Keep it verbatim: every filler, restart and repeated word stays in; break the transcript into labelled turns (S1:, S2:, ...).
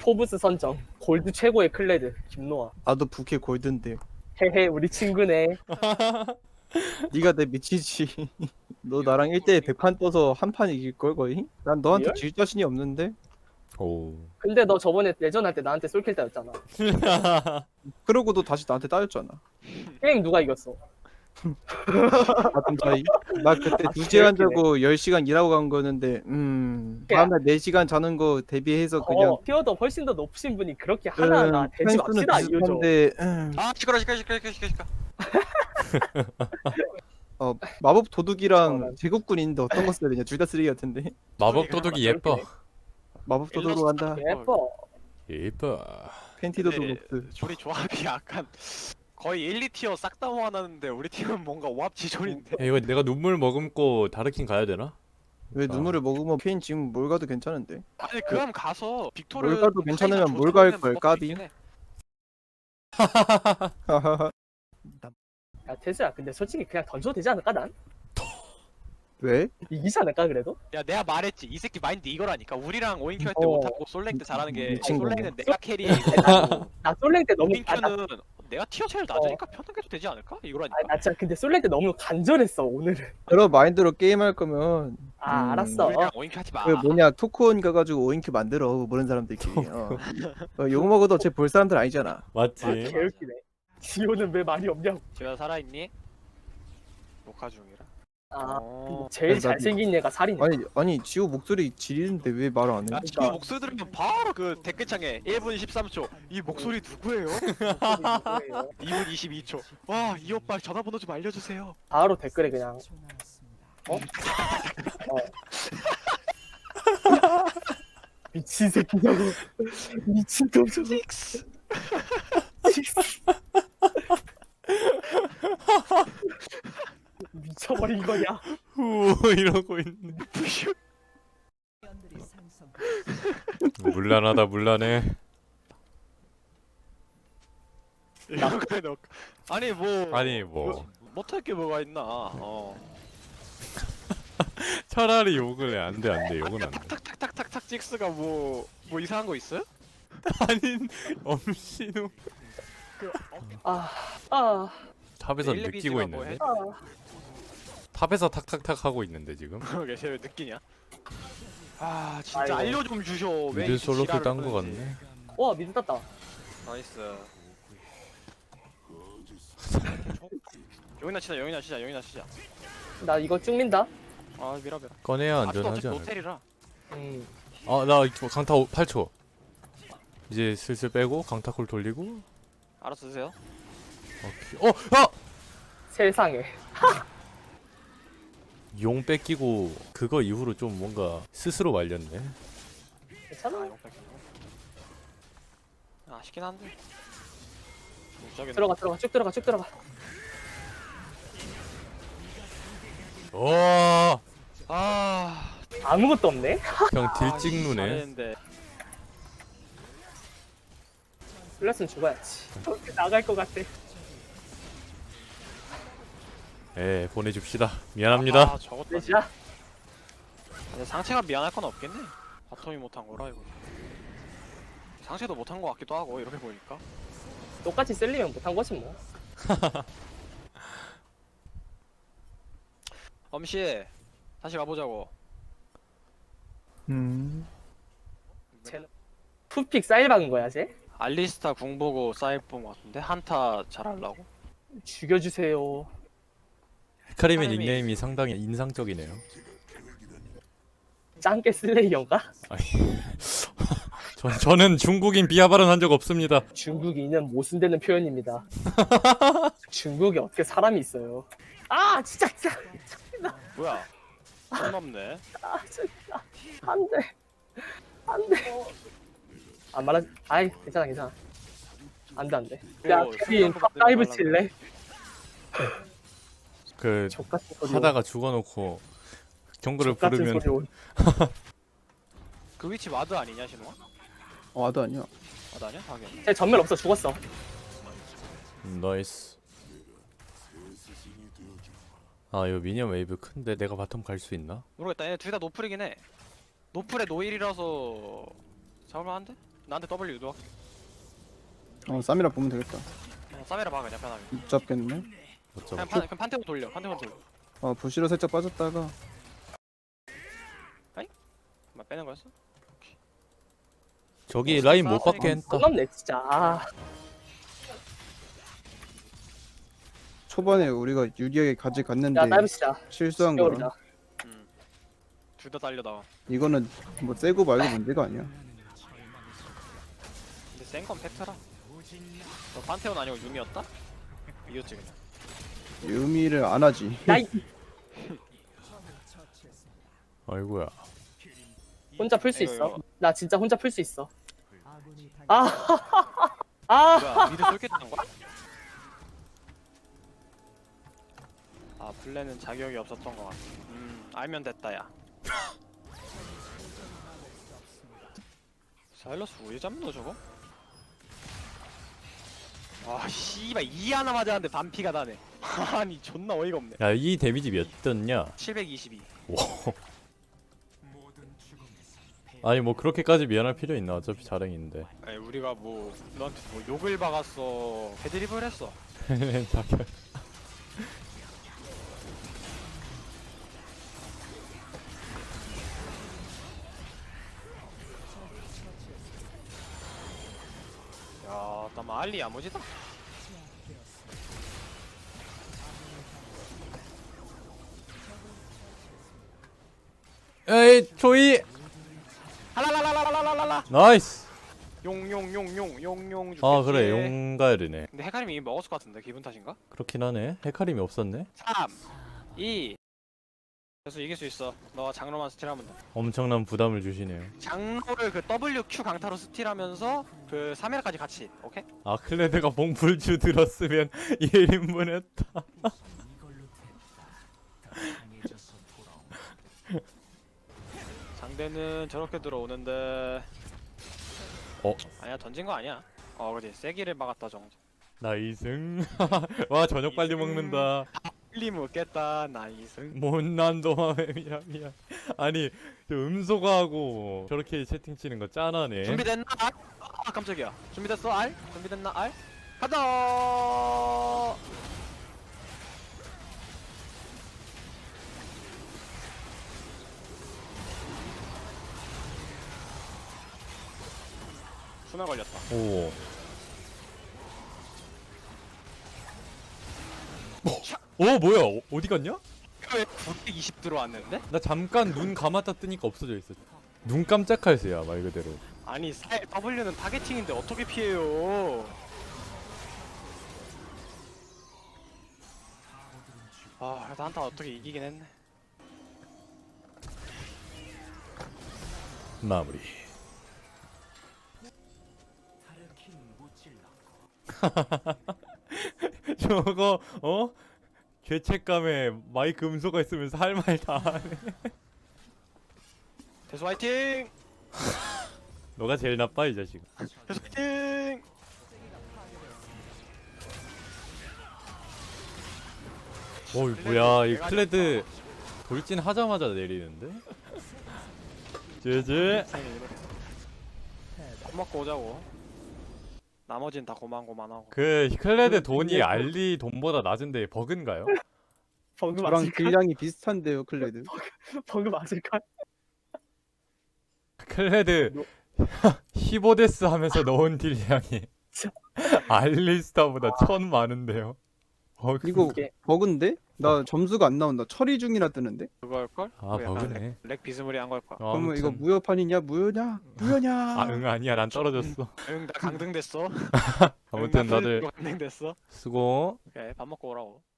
S1: 포브스 선정 골드 최고의 클레드 김노아.
S2: 나도 부캐 골든데.
S1: 헤헤 우리 친구네.
S2: 네가 내 미치지. 너 나랑 일 대에 백 판 떠서 한 판 이길 걸 거의? 난 너한테
S1: 리얼?
S2: 질 자신이 없는데.
S3: 오.
S1: 근데 너 저번에 내전 할 때 나한테 솔킬 따였잖아.
S2: 그러고도 다시 나한테 따였잖아.
S1: 게임 누가 이겼어?
S2: 같은 차이. 나 그때
S1: 아,
S2: 두 시간
S1: 개웃기네.
S2: 자고 열 시간 일하고 간 거였는데 음
S1: 야.
S2: 다음날 네 시간 자는 거 대비해서 그냥
S1: 어, 티어도 훨씬 더 높으신 분이 그렇게 하나하나
S2: 음,
S1: 대지
S2: 펜스는
S1: 맙시다 이유죠.
S2: 비슷한데 음,
S4: 아 시끄러 시끄러 시끄러 시끄러 시끄러.
S2: 어, 마법
S1: 어,
S2: 도둑이랑
S1: 난-
S2: 제국군 있는데 어떤 거 써야 되냐? 둘 다 쓰레기 같은데.
S3: 마법
S4: 소리가
S3: 도둑이
S1: 막
S3: 예뻐.
S1: 그렇게
S2: 마법 도둑으로 간다.
S1: 예뻐.
S3: 예뻐.
S2: 팬티도
S4: 근데
S2: 도둑.
S4: 우리 조합이 약간 거의 일, 이 티어 싹 다 모아놨는데 우리 팀은 뭔가 오합지졸인데.
S3: 야, 이거 내가 눈물 머금고 다르킨 가야 되나?
S2: 왜
S3: 어.
S2: 눈물을 먹으면 케인 지금 뭘 가도 괜찮은데.
S4: 아니 그럼 가서 빅토르
S2: 뭘 가도 괜찮으면 뭘 갈 걸, 까비.
S1: 야 태수야 근데 솔직히 그냥 던져도 되지 않을까 난?
S2: 왜?
S1: 이기지 않을까 그래도?
S4: 야 내가 말했지 이 새끼 마인드 이거라니까. 우리랑 오인큐 할 때
S1: 어.
S4: 못하고 솔랭 때 잘하는 게
S2: 미친 거네.
S4: 솔랭은 내가 캐리해고
S1: 나 솔랭 때 너무 아, 나,
S4: 오인큐는 내가 티어 제일 낮으니까 편하게 해도 되지 않을까? 이거라니까.
S1: 아, 나 진짜 근데 솔랭 때 너무 간절했어 오늘은.
S2: 그런 마인드로 게임할 거면
S1: 아
S2: 음,
S1: 알았어.
S4: 우리랑 오인큐 하지 마.
S2: 그 뭐냐 토크온 가가지고 오인큐 만들어 모르는 사람들끼리. 어. 어, 욕 먹어도 쟤 볼 사람들 아니잖아.
S3: 맞지.
S1: 아 개웃기네. 지호는 왜 말이 없냐고.
S4: 지호야 살아있니? 녹화 중이라.
S1: 아
S4: 어.
S1: 제일
S2: 그래서 나도-
S1: 잘생긴 얘가 살이네.
S2: 아니 아니 지호 목소리 지리는데 왜 말 안 해?
S4: 야 지호 목소리 들으면 바로 그 댓글창에 일 분 십삼 초 이 목소리 누구예요? 이 분 이십이 초 와 이 오빠 전화번호 좀 알려주세요.
S1: 바로 댓글에 그냥 어? 어. 미친 새끼냐고. 미친 놈 저거.
S4: 식스.
S1: 미쳐버린 거냐?
S3: 후 이러고 있네.
S4: 부슈.
S3: 물란하다 물란해.
S4: 이런 거에 넣. 아니 뭐.
S3: 아니 뭐
S4: 못할 게 뭐가 있나. 어.
S3: 차라리 욕을 해. 안돼 안돼 욕은
S4: 아까
S3: 안돼.
S4: 탁탁탁탁탁탁 찍스가 뭐. 뭐 이상한 거 있어요?
S3: 아닌 엄신우
S1: 아, 아,
S3: 탑에서
S4: 일레비지가
S3: 느끼고
S4: 뭐
S3: 있는데.
S4: 해?
S1: 아.
S3: 탑에서 탁탁탁 하고 있는데 지금.
S4: 그러게 쟤왜 느끼냐? 아 진짜
S1: 아이고.
S4: 알려 좀 주셔. 왜
S3: 미드
S4: 이
S3: 솔로킬
S4: 지랄을
S3: 딴거
S4: 하는지.
S3: 같네.
S1: 와 미드 땄다.
S4: 나이스. 여기나 치자 여기나 치자 여기나 치자.
S1: 나 이거 쭉 민다.
S4: 아 미라 미라.
S3: 꺼내야
S4: 아직도
S3: 안전하지
S4: 어차피
S3: 않을까?
S4: 호텔이라.
S1: 음.
S3: 아나 강타 팔 초. 이제 슬슬 빼고 강타콜 돌리고.
S4: 알아서 드세요.
S3: 오케이. 어! 아!
S1: 세상에.
S3: 용 뺏기고 그거 이후로 좀 뭔가 스스로 말렸네.
S1: 괜찮아.
S4: 아, 아쉽긴 한데. 저기
S1: 들어가 들어가 쭉 들어가 쭉 들어가.
S3: 와!
S4: 아.
S1: 아무것도 없네.
S3: 형
S4: 아,
S3: 딜 찍누네.
S4: 잘했는데.
S1: 플러스는 죽어야지. 저렇게 나갈 것 같아.
S3: 예, 보내줍시다. 미안합니다.
S4: 아, 저것도.
S1: 레시야.
S4: 근데 상체가 미안할 건 없겠네. 바텀이 못한 거라 이거. 상체도 못한 거 같기도 하고 이렇게 보니까.
S1: 똑같이 셀리면 못한 거지 뭐.
S4: 엄씨 다시 가보자고.
S2: 음.
S1: 쟤는 푸픽 사일 박은 거야 쟤?
S4: 알리스타 궁 보고 사이프 본거 같은데 한타 잘하려고.
S1: 죽여주세요.
S3: 헤카림의
S4: 헤카림이-
S3: 닉네임이 상당히 인상적이네요.
S1: 짱깨 슬레이어인가?
S3: 아니, 저, 저는 중국인 비하 발언한 적 없습니다.
S1: 중국인은 모순되는 표현입니다. 중국에 어떻게 사람이 있어요? 아 진짜 진짜
S4: 뭐야? 손 넘네.
S1: 아 진짜 안돼 안돼. 안 말하. 아이 괜찮아 괜찮아. 안돼 안돼. 야
S4: 어,
S1: 케빈
S4: 순간도
S1: 다이브
S4: 만들지
S1: 칠래?
S3: 그
S1: 족같은 소리.
S3: 하다가 죽어놓고 경고를
S1: 족같은
S3: 부르면
S1: 소리 온.
S4: 그 위치 와드 아니냐 신호가?
S2: 어, 나도 아니야.
S4: 와드 아니야? 하긴.
S1: 쟤 전멸 없어 죽었어.
S3: 음, 나이스. 아 이거 미니언 웨이브 큰데 내가 바텀 갈 수 있나?
S4: 모르겠다. 얘 둘 다 노플이긴 해. 노플에 노일이라서 잡을만 한데? 나한테 W 유도할게.
S2: 어 쌈이라 보면 되겠다.
S4: 어, 싸매라 봐 그냥 편하게.
S2: 못 잡겠네.
S3: 못
S4: 그냥
S3: 잡아.
S4: 판, 그냥 판테온 돌려. 판테온 돌려.
S2: 아 부시로 살짝 빠졌다가
S4: 막 빼는 거였어?
S3: 저기 라인 못 받게 했다.
S1: 손 넘네 진짜. 아,
S2: 초반에 우리가 유리하게 가져갔는데
S1: 야 다이브시다.
S2: 실수한 거라.
S1: 죽여버리자.
S4: 음. 둘 다 달려 나와.
S2: 이거는 뭐 세고 말고 문제가 아니야.
S4: 근데 센 건 팩트라. 너 판테온 아니고 유미였다? 이겼지 그냥.
S2: 의미를 안 하지.
S1: 나이
S3: 아이고야.
S1: 혼자 풀 수
S4: 이거,
S1: 있어.
S4: 이거.
S1: 나 진짜 혼자 풀 수 있어. 아, 아,
S4: 뭐야 미드 쏠겠다는 거야? 아 플랜은 자격이 없었던 것 같아. 음 알면 됐다 야. 사일러스 왜 잡는 거 저거? 아 씨발 이 하나 맞았는데 반피가 나네. 아니 존나 어이가 없네.
S3: 야, 이 데미지 몇 떴냐?
S4: 칠백이십이.
S3: 아니 뭐 그렇게까지 미안할 필요 있나? 어차피 자랭인데.
S4: 아니 우리가 뭐 너한테 뭐 욕을 박았어. 헤드립을 했어.
S3: 자결.
S4: 야, 나 알리 야무지다.
S3: 에이 조이.
S4: 할랄랄랄랄랄랄라.
S3: 나이스.
S4: 용용용용 용용 줄게.
S3: 아 그래 용가르네.
S4: 근데 헤카림이 이미 먹었을 것 같은데 기분 탓인가?
S3: 그렇긴 하네. 헤카림이 없었네.
S4: 삼, 이. 그래서 이길 수 있어. 너가 장로만 스틸하면 돼.
S3: 엄청난 부담을 주시네요.
S4: 장로를 그 W Q 강타로 스틸하면서 그 삼 회까지 같이. 오케이?
S3: 아 클레드가 봉불주 들었으면 일 인분 했다.
S4: 상대는 저렇게 들어오는데.
S3: 어?
S4: 아니야 던진 거 아니야. 어 그지 세기를 막았다 정도.
S3: 나이승. 와 저녁 빨리 먹는다.
S4: 빨리 먹겠다 나이승.
S3: 못난 도마뱀이라 미안. 아니 저 음소거하고 저렇게 채팅 치는 거 짠하네.
S4: 준비됐나? 알? 아 깜짝이야. 준비됐어 알? 준비됐나 알? 가자. 수면 걸렸다.
S3: 오. 어 뭐야? 어, 어디 갔냐?
S4: 왜 구백이십 들어왔는데?
S3: 나 잠깐 눈 감았다 뜨니까 없어져 있어. 눈 깜짝할 새야 말 그대로.
S4: 아니 사, W는 타겟팅인데 어떻게 피해요? 아 그래도 한타 어떻게 이기긴 했네.
S3: 마무리. 저거 어? 죄책감에 마이크 음소가 있으면서 할 말 다 하네.
S4: 대수 화이팅!
S3: 너가 제일 나빠 이 자식.
S4: 대수 화이팅!
S3: 어 뭐야 이 클레드 돌진 하자마자 내리는데? 제제.
S4: 밥 먹고 오자고. 나머진 다 고만고만하고.
S3: 그 클레드 돈이 알리 돈보다 낮은데 버그인가요?
S1: 버그
S2: 저랑
S1: 맞을까?
S2: 딜량이 비슷한데요 클레드.
S1: 버그 맞을까?
S3: 클레드 십오 데스 하면서 넣은 딜량이 알리스타보다 천 많은데요. 버그.
S2: 이거
S1: 이게-
S2: 버그인데? 나 점수가 안 나온다. 처리 중이라 뜨는데?
S4: 그거일걸?
S3: 아
S4: 그거 약간
S3: 버그네.
S4: 렉 비스무리한 걸 거야.
S3: 어,
S2: 그러면 이거
S3: 아무튼.
S2: 무효판이냐? 무효냐? 무효냐?
S3: 아응 아니야 난 떨어졌어.
S4: 응, 나 강등됐어.
S3: 아무튼
S4: 응, 나
S3: 다들
S4: 강등됐어.
S3: 수고.
S4: 오케이, 밥 먹고 오라고.